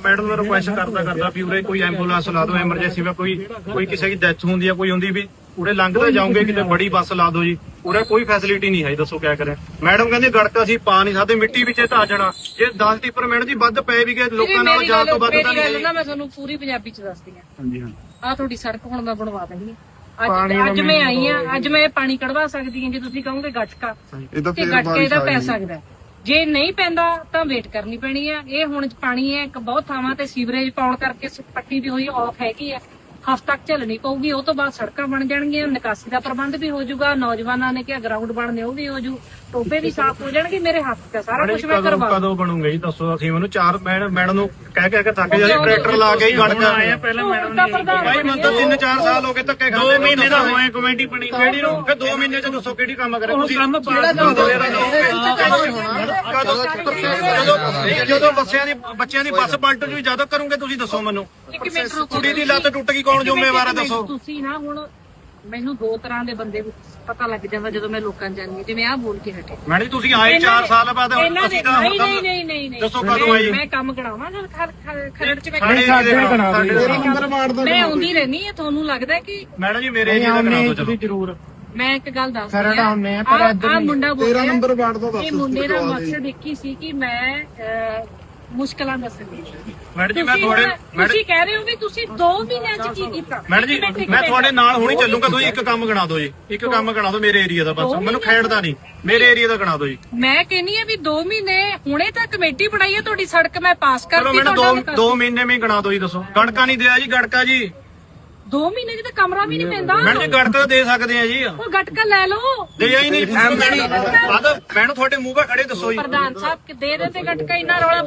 Madam ने request करता भी उरे कोई एंबुलेंस ला दो, एमरजेंसी में कोई किसी की डेथ होंगी है, कोई होंगी भी उरे लंघते जाओगे कि बड़ी बस ला दो जी, उरे कोई फैसिलिटी नहीं है। दसो क्या करें। मैडम कहते गड़का असीं पा नहीं सकते, मिट्टी विच धा जाना, जे 10 टिप्पर मैडम जी वध पे भी गए लोकां नाल जान तो वध तां नहीं। मैं तुहानूं पूरी पंजाबी च दसदी हां। हां जी हां, आ तुहाडी सड़क हुण मैं बनवा देनी है। ਅੱਜ ਮੈਂ ਆਈ ਆ, ਅੱਜ ਮੈਂ ਪਾਣੀ ਕਢਵਾ ਸਕਦੀ ਹਾਂ। ਜੇ ਤੁਸੀਂ ਕਹੋਗੇ ਗਟਕਾ ਤੇ ਗਟਕੇ ਇਹਦਾ ਪੈ ਸਕਦਾ, ਜੇ ਨਹੀਂ ਪੈਂਦਾ ਤਾਂ ਵੇਟ ਕਰਨੀ ਪੈਣੀ ਆ। ਇਹ ਹੁਣ ਪਾਣੀ ਹੈ ਇੱਕ ਬਹੁਤ ਥਾਵਾਂ ਤੇ ਸੀਵਰੇਜ ਪਾਉਣ ਕਰਕੇ ਪੱਟੀ ਵੀ ਹੋਈ ਆਫ ਹੈਗੀ ਆ, ਹਫ਼ਤਾ ਤੱਕ ਝੱਲਣੀ ਪਊਗੀ। ਉਹ ਤੋਂ ਬਾਅਦ ਸੜਕਾਂ ਬਣ ਜਾਣਗੀਆਂ, ਨਿਕਾਸੀ ਦਾ ਪ੍ਰਬੰਧ ਵੀ ਹੋ ਜਾਊਗਾ, ਨੌਜਵਾਨਾਂ ਨੇ ਕਿਹਾ ਗਰਾਊਂਡ ਬਣਨੇ ਉਹ ਵੀ ਹੋ ਜੂ, ਟੋਬੇ ਵੀ ਸਾਫ਼ ਹੋ ਜਾਣਗੇ। ਮੇਰੇ ਹੱਥ ਤੇ ਸਾਰਾ ਕੁਝ ਮੈਂ ਕਰਵਾ। ਕਦੋਂ ਬਣੂਗਾ ਜੀ ਦੱਸੋ। ਅਸੀਂ ਉਹਨੂੰ 4 ਮੈਡਮ ਨੂੰ ਕਹਿ ਕੇ ਥੱਕ ਗਏ, ਟਰੈਕਟਰ ਲਾ ਕੇ ਹੀ ਗੜ ਕੇ ਆਏ ਆ। ਪਹਿਲਾਂ ਮੈਡਮ ਨੇ ਭਾਈ ਮੈਨੂੰ ਤਾਂ 3-4 ਸਾਲ ਹੋ ਗਏ ਧੱਕੇ ਖਾਂਦੇ। 2 ਮਹੀਨੇ ਦਾ ਹੋਏ ਕਮੇਟੀ ਬਣੀ ਕਿਹੜੀ ਨੂੰ, ਫਿਰ 2 ਮਹੀਨੇ ਚ ਦੱਸੋ ਕਿਹੜੀ ਕੰਮ ਕਰੇ ਤੁਸੀਂ। ਜਦੋਂ ਬੱਚਿਆਂ ਦੀ ਬੱਸ ਪਲਟ ਜੂ ਜਦੋਂ ਕਰੋਗੇ ਤੁਸੀਂ ਦੱਸੋ ਮੈਨੂੰ। ਕੁੜੀ ਦੀ ਲੱਤ ਟੁੱਟ ਗਈ ਕੌਣ ਜ਼ਿੰਮੇਵਾਰ ਹੈ ਦੱਸੋ। ਤੁਸੀਂ ਨਾ ਹੁਣ ਮੈਨੂੰ 2 ਤਰ੍ਹਾਂ ਦੇ ਬੰਦੇ ਪਤਾ ਲੱਗ ਜਾਂਦਾ ਜਦੋਂ ਮੈਂ ਲੋਕਾਂ ਜਾਣੀ, ਜਿਵੇਂ ਆਹ ਬੋਲ ਕੇ ਹਟੇ। ਮੈਡਮ ਜੀ ਤੁਸੀਂ ਆਏ 4 ਸਾਲ ਬਾਅਦ, ਅਸੀਂ ਤਾਂ ਨਹੀਂ ਦੱਸੋ ਕਦੋਂ ਆਏ। ਮੈਂ ਕੰਮ ਕਰਾਵਾਂ ਜਦ ਖਰੜ ਚ ਮੈਂ ਆਉਂਦੀ ਰਹਿਣੀ ਹੈ। ਤੁਹਾਨੂੰ ਲੱਗਦਾ ਕਿ ਮੈਡਮ ਜੀ ਮੇਰੇ ਏਰੀਆ ਦਾ ਕਰਾ ਦਿਓ ਚਲੋ ਜ਼ਰੂਰ। ਮੈਂ ਇੱਕ ਗੱਲ ਦੱਸ ਆ ਮੁੰਡਾ ਬੋਲਿਆ, ਇਹ ਮੁੰਡੇ ਦਾ ਮਕਸਦ ਇੱਕ ਹੀ ਸੀ ਕਿ ਮੈਂ ਮੁਸ਼ਕਲਾਂ ਦੱਸਣੀ। ਮੈਡਮ ਜੀ ਮੈਂ ਤੁਸੀਂ ਕਹਿ ਰਹੇ ਹੋ ਵੀ ਤੁਸੀਂ 2 ਮਹੀਨਿਆਂ ਚ ਕੀ ਕੀਤਾ। ਮੈਡਮ ਜੀ ਮੈਂ ਤੁਹਾਡੇ ਨਾਲ ਹੁਣੀ ਚੱਲੂਗਾ, ਤੁਸੀਂ ਇੱਕ ਕੰਮ ਗਣਾ ਦਿਓ ਜੀ, ਇੱਕ ਕੰਮ ਗਣਾ ਦਿਓ ਮੇਰੇ ਏਰੀਆ ਦਾ, ਬਸ ਮੈਨੂੰ ਖੇਡਦਾ ਨਹੀਂ, ਮੇਰੇ ਏਰੀਆ ਦਾ ਗਣਾ ਦਿਓ ਜੀ। ਮੈਂ ਕਹਿੰਨੀ ਆ ਵੀ 2 ਮਹੀਨੇ ਹੁਣੇ ਤਾਂ ਕਮੇਟੀ ਬਣਾਈ ਹੈ, ਤੁਹਾਡੀ ਸੜਕ ਮੈਂ ਪਾਸ ਕਰਤੀ। ਚਲੋ ਮੈਨੂੰ 2 ਮਹੀਨੇ ਵਿੱਚ ਗਣਾ ਦਿਓ ਜੀ। ਦੱਸੋ ਗੜਕਾ ਨਹੀਂ ਦਿਆ ਜੀ, ਗੜਕਾ ਜੀ 2 ਮਹੀਨੇ ਚ ਤਾਂ ਕਮਰਾ ਵੀ ਨਹੀਂ ਪੈਂਦਾ। ਮੈਡਮ ਜੀ ਗੜਕਾ ਦੇ ਸਕਦੇ ਆ ਜੀ, ਉਹ ਗਟਕਾ ਲੈ ਲਓ। ਦੇ ਹੀ ਨਹੀਂ ਮੈਨੂੰ ਤੁਹਾਡੇ ਮੂੰਹ 'ਤੇ ਖੜੇ ਦੱਸੋ ਜੀ। ਪ੍ਰਧਾਨ ਸਾਹਿਬ ਦੇ ਦੇ ਤੇ ਗਟਕਾ ਇੰਨਾ ਰੌਲਾ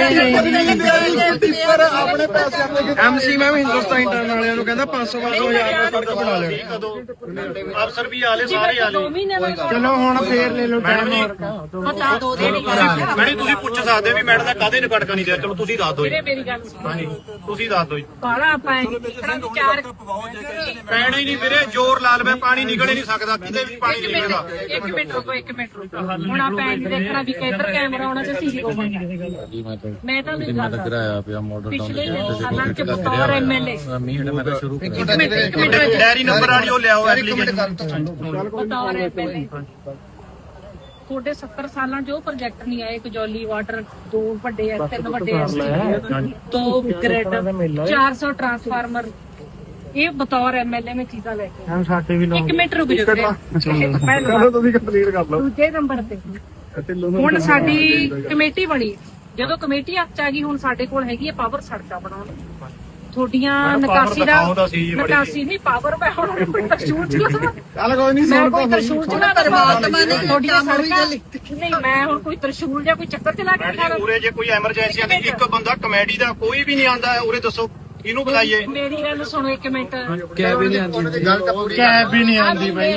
ਆਪਣੇ ਪੈਸੇ ਐਮਸੀ ਮੈਂ ਵੀ ਹਿੰਦੁਸਤਾਨ ਇੰਟਰਨ ਵਾਲਿਆਂ ਨੂੰ ਕਹਿੰਦਾ 500-1000 ਸੜਕ ਬਣਾ ਲੈਣੀ। ਅਫਸਰ ਵੀ ਆਲੇ ਸਾਰੇ ਆਲੇ। 2 ਮਹੀਨੇ ਦਾ ਚਲੋ ਹੁਣ ਫੇਰ ਲੈ ਲਓ ਮੈਡਮ ਜੀ ਪਤਾ ਦੋ ਦੇ ਮੈਡਮ ਤੁਸੀਂ ਪੁੱਛ ਸਕਦੇ ਵੀ ਮੈਡਮ ਦਾ ਕਾਹਦੇ ਨੇ ਗੜਕਾ ਨਹੀਂ ਦਿਆ। ਚਲੋ ਤੁਸੀਂ ਦੱਸ ਦਿਓ ਜੀ। ਮੇਰੀ ਗੱਲ ਸੁਣੋ। ਹਾਂਜੀ ਤੁਸੀਂ ਦੱਸ ਦਿਓ ਜੀ। ਬਾਲਾ ਆਪਾਂ ਵਿਚਾਰ ਪੈਣਾ ਹੀ ਨਹੀਂ ਵੀਰੇ, ਜ਼ੋਰ ਲਾ ਲਵੇ ਪਾਣੀ ਨਿਕਲ ਹੀ ਨਹੀਂ ਸਕਦਾ, ਕਿਤੇ ਵੀ ਪਾਣੀ ਨਹੀਂ ਨਿਕਲਦਾ। ਇੱਕ ਮਿੰਟ ਰੁਕੋ। ਹੁਣ ਆਪਾਂ ਇਹ ਦੇਖਣਾ ਵੀ ਕਿੱਧਰ ਕੈਮਰਾ ਆਉਣਾ ਤੇ ਸੀਸੀ ਹੋਊਗਾ। ਮੈਂ ਤਾਂ ਨਹੀਂ ਗੱਲ ਕਰਾਇਆ ਪਿਆ ਮਾਡਲ ਟਾਊਨ ਪਿਛਲੇ ਸਾਲਾਂ ਚ ਬਤੌਰ ਐਮਐਲਏ ਮੈਂ ਤਾਂ ਸ਼ੁਰੂ ਡੈਰੀ ਨੰਬਰ ਵਾਲੀ ਉਹ ਲਿਆਓ ਐਪਲੀਕੇਸ਼ਨ। ਬਤੌਰ ਐਮਐਲਏ ਤੁਹਾਡੇ 70 ਸਾਲਾਂ ਚ ਉਹ ਪ੍ਰੋਜੈਕਟ ਨਹੀਂ ਆਏ। ਕਜੌਲੀ ਵਾਟਰ 2 ਵੱਡੇ ਐ, 3 ਵੱਡੇ ਐ, 2 ਗ੍ਰਿਡ, 400 ਟਰਾਂਸਫਾਰਮਰ। ਇਹ ਬਤੌਰ ਐਮਐਲਏ ਮੈਂ ਚੀਜ਼ਾਂ ਲੈ ਕੇ ਸਾਡੇ ਵੀ 1 ਮਿੰਟ ਰੁਕ ਜਾਓ। ਤੁਸੀਂ ਕੰਪਲੀਟ ਕਰ ਲਓ। ਦੂਜੇ ਨੰਬਰ ਤੇ ਹੁਣ ਸਾਡੀ ਕਮੇਟੀ ਬਣੀ। ਜਦੋਂ ਕਮੇਟੀ ਹੱਥ ਚ ਆ ਗਈ, ਹੁਣ ਸਾਡੇ ਕੋਲ ਹੈਗੀ ਹੈ ਪਾਵਰ ਸੜਕਾਂ ਬਣਾਉਣ। ਤੁਹਾਡੀਆਂ ਨਿਕਾਸੀ ਨਹੀਂ ਪਾਵਰ ਮੈਂ ਹੁਣ ਕੋਈ ਤਰਸ਼ੂਲ ਚਲਾ। ਚੱਲ ਕੋਈ ਨਹੀਂ ਮੈਂ ਕੋਈ ਤਰਸ਼ੂਲ ਚਲਾ ਤੁਹਾਡੀਆਂ ਸੜਕਾਂ ਨਹੀਂ। ਮੈਂ ਹੁਣ ਕੋਈ ਤਰਸ਼ੂਲ ਜਾਂ ਕੋਈ ਚੱਕਰ ਚਲਾ ਕੇ ਖਾ ਉਰੇ ਜੇ ਕੋਈ ਐਮਰਜੈਂਸੀ ਆਂਦੀ, ਇੱਕ ਬੰਦਾ ਕਮੇਡੀ ਦਾ ਕੋਈ ਵੀ ਨਹੀਂ ਆਂਦਾ ਉਰੇ, ਦੱਸੋ ਇਹਨੂੰ ਬੁਲਾਈਏ। ਮੇਰੀ ਗੱਲ ਸੁਣੋ 1 ਮਿੰਟ। ਕੈਬ ਵੀ ਨਹੀਂ ਆਉਂਦੀ, ਗੱਲ ਤਾਂ ਪੂਰੀ ਕੈਬ ਵੀ ਨਹੀਂ ਆਉਂਦੀ ਬਾਈ।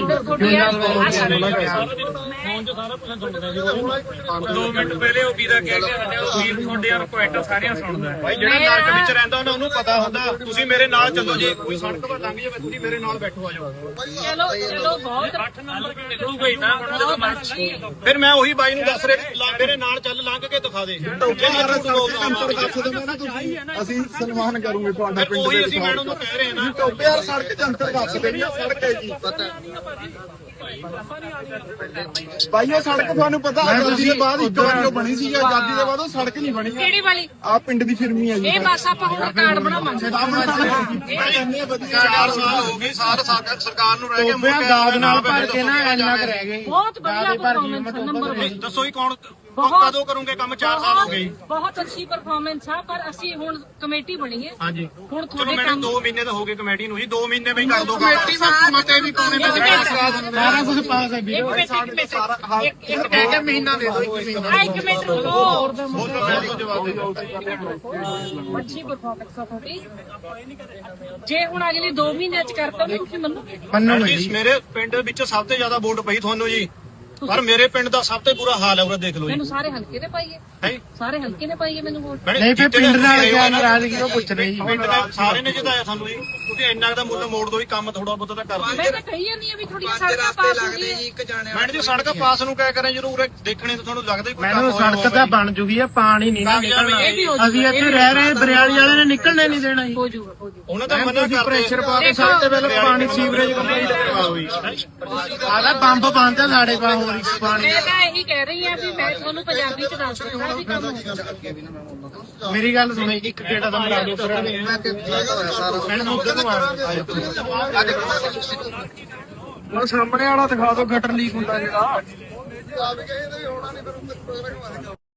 2 ਮਿੰਟ ਪਹਿਲੇ ਉਹ ਵੀਰਾ ਕਹਿ ਕੇ ਹਟਿਆ, ਉਹ ਵੀਰ ਤੁਹਾਡੇ ਰਿਕੁਐਸਟ ਸਾਰਿਆਂ ਸੁਣਦਾ ਭਾਈ। ਜਿਹੜਾ ਨਰਕ ਵਿੱਚ ਰਹਿੰਦਾ ਉਹਨੂੰ ਪਤਾ ਹੁੰਦਾ। ਤੁਸੀਂ ਮੇਰੇ ਨਾਲ ਚੱਲੋ, ਜੇ ਕੋਈ ਸੜਕ ਪਰ ਲੰਘ ਜਾਵੇ ਤੁਸੀਂ ਮੇਰੇ ਨਾਲ ਬੈਠੋ, ਆ ਜਾਓ। ਚਲੋ ਬਹੁਤ 8 ਨੰਬਰ ਨਿਕਲੂਗਾ ਹੀ ਨਾ ਹੁਣ ਜਦੋਂ ਮਰਜ਼ੀ। ਫਿਰ ਮੈਂ ਉਹੀ ਬਾਈ ਨੂੰ ਦੱਸ ਰਿਹਾ, ਮੇਰੇ ਨਾਲ ਚੱਲ ਲੰਘ ਕੇ ਦਿਖਾ ਦੇ। ਅਸੀਂ ਸਨਮਾਨ ਕਰੂਗੇ ਤੁਹਾਡਾ ਪਿੰਡ ਉਹੀ ਅਸੀਂ ਮੈਡਮ ਨੂੰ ਕਹਿ ਰਹੇ ਹਾਂ ਨਾ। ਟੋਬੇ ਯਾਰ ਸੜਕ ਜੰਤਰ ਦੱਸ ਦੇਣੀ ਆ, ਸੜਕ ਹੈ ਜੀ ਭਾਈ। ਉਹ ਸੜਕ ਤੁਹਾਨੂੰ ਪਤਾ ਆਜ਼ਾਦੀ ਦੇ ਬਾਅਦ ਇੱਕ ਵਾਰ ਜੋ ਬਣੀ ਸੀ, ਆਜ਼ਾਦੀ ਦੇ ਬਾਅਦ ਉਹ ਸੜਕ ਨਹੀਂ ਬਣੀ। ਕਿਹੜੀ ਵਾਲੀ? ਆ ਪਿੰਡ ਦੀ ਫਿਰਮੀ ਹੈ ਜੀ। ਇਹ ਬਸ ਆਪਾਂ ਹੁਣ ਕਾਰਡ ਬਣਾਵਾਂਗੇ। 4 ਸਾਲ ਹੋ ਗਏ ਸਰਕਾਰ ਨੂੰ ਰਹਿ ਗਏ ਟੋਬੇ ਦਾਦ ਨਾਲ ਭਰ ਕੇ ਨਾ ਇੰਨਾ ਕੁ ਰਹਿ ਗਏ। ਬਹੁਤ ਵਧੀਆ ਪਰਫਾਰਮੈਂਸ ਨੰਬਰ 1। ਦੱਸੋ ਹੀ ਕੌਣ ਕਦੋਂ ਕਰੋਗੇ ਕੰਮ? 4 ਸਾਲ ਹੋ ਗਏ। ਬਹੁਤ ਅੱਛੀ ਪਰਫਾਰਮੈਂਸ ਆ, ਪਰ ਅਸੀਂ ਹੁਣ ਕਮੇਟੀ ਬਣੀ ਹੈ। ਹਾਂਜੀ ਹੁਣ ਚਲੋ ਤੁਹਾਡੇ ਮੈਨੂੰ ਕੰਮ 2 ਮਹੀਨੇ ਤਾਂ ਹੋ ਗਏ ਕਮੇਟੀ ਨੂੰ ਜੀ, 2 ਮਹੀਨੇ ਵਿੱਚ ਕਰ ਦੋ ਕਮੇਟੀ ਵਿੱਚ ਮਤੇ ਵੀ ਪਾਉਣੇ ਨੇ, ਸਾਰਾ ਕੁਝ ਪਾਸ ਹੈ ਵੀਰੇ। ਇੱਕ ਮਹੀਨਾ ਦੇ ਦਿਓ, 1 ਮਹੀਨਾ। 1 ਮਿੰਟ ਰੁਕੋ। ਜਵਾਬ ਅੱਛੀ ਪਰਫਾਰਮੈਂਸ ਆ ਤੁਹਾਡੀ। ਜੇ ਹੁਣ ਅਗਲੇ 2 ਮਹੀਨਿਆਂ ਚ ਕਰਤਾ ਤਾਂ ਤੁਸੀਂ ਮੰਨੋਗੇ? ਮੇਰੇ ਪਿੰਡ ਵਿੱਚ ਸਭ ਤੋਂ ਜ਼ਿਆਦਾ ਵੋਟ ਪਈ ਤੁਹਾਨੂੰ ਜੀ। ਪਰ ਮੇਰੇ ਪਿੰਡ ਦਾ ਸਭ ਤੋਂ ਬੁਰਾ ਹਾਲ ਹੈ ਉਹ ਦੇਖ ਲਓ ਜੀ ਮੈਨੂੰ ਸਾਰੇ ਹਲਕੇ ਨੇ ਪਾਈਏ ਹੈ ਸਾਰੇ ਹਲਕੇ ਨੇ ਪਾਈਏ ਮੈਨੂੰ ਵੋਟ ਨਹੀਂ ਫਿਰ ਪਿੰਡ ਨਾਲ ਕਿਆ ਨਾਰਾਜ਼ਗੀ ਉਹ ਪੁੱਛ ਰਹੀ ਪਿੰਡ ਦੇ ਸਾਰੇ ਨੇ ਜਿਤਾਇਆ ਸਾਨੂੰ ਜੀ ਤੁਸੀਂ ਇੰਨਾ ਦਾ ਮੁੱਲ ਮੋੜ ਦੋ ਹੀ ਕੰਮ ਥੋੜਾ ਬਹੁਤਾ ਤਾਂ ਕਰ ਮੈਂ ਤਾਂ ਕਹੀ ਜਾਂਦੀ ਆ ਵੀ ਥੋੜੀ ਸੜਕਾਂ ਪਾਸ ਹੋ ਗਈ ਮੈਡਮ ਜੀ ਸੜਕ ਪਾਸ ਨੂੰ ਕਿਆ ਕਰਾਂ ਜਦੋਂ ਉਰੇ ਦੇਖਣੇ ਤਾਂ ਤੁਹਾਨੂੰ ਲੱਗਦਾ ਹੀ ਕੋਈ ਮੈਨੂੰ ਸੜਕ ਤਾਂ ਬਣ ਜੂਗੀ ਆ ਪਾਣੀ ਨਹੀਂ ਨਾ ਨਿਕਲਣਾ ਇਹ ਵੀ ਹੋ ਅਸੀਂ ਇੱਥੇ ਰਹਿ ਰਹੇ ਬਰਿਆਲੀ ਵਾਲੇ ਨੇ ਨਿਕਲਣੇ ਨਹੀਂ ਦੇਣਾ ਜੀ ਹੋ ਜਾਊਗਾ ਉਹਨਾਂ ਦਾ ਮਨਾ ਕਰਦੇ ਪ੍ਰੈਸ਼ਰ ਪਾ ਕੇ ਸਭ ਤੋਂ ਪਹਿਲਾਂ ਪਾਣੀ ਸੀਵਰੇਜ ਕੰਪਲੀਟ ਕਰਵਾਓ ਜੀ ਆਦਾ ਪੰਪ ਬੰਦ ਆ ਸਾਡੇ ਕੋਲ ਹੋਰ ਇੱਕ ਪਾਣੀ ਮੈਂ ਤਾਂ ਇਹੀ ਕਹਿ ਰਹੀ ਆ ਵੀ ਮੈਂ ਤੁਹਾਨੂੰ ਪੰਜਾਬੀ ਚ ਦੱਸ ਦਿੰਦਾ ਵੀ ਕੰਮ ਹੋਊਗਾ ਮੇਰੀ ਗੱਲ ਸੁਣੋ ਇੱਕ ਗੇੜਾ ਦਾ ਮਰਾ ਦਿਓ ਮੈਨੂੰ ਉਧਰ ਨੂੰ ਆ ਸਾਹਮਣੇ ਵਾਲਾ ਦਿਖਾ ਦਿਓ ਗਟਰ ਲੀਕ ਹੁੰਦਾ ਜਿਹੜਾ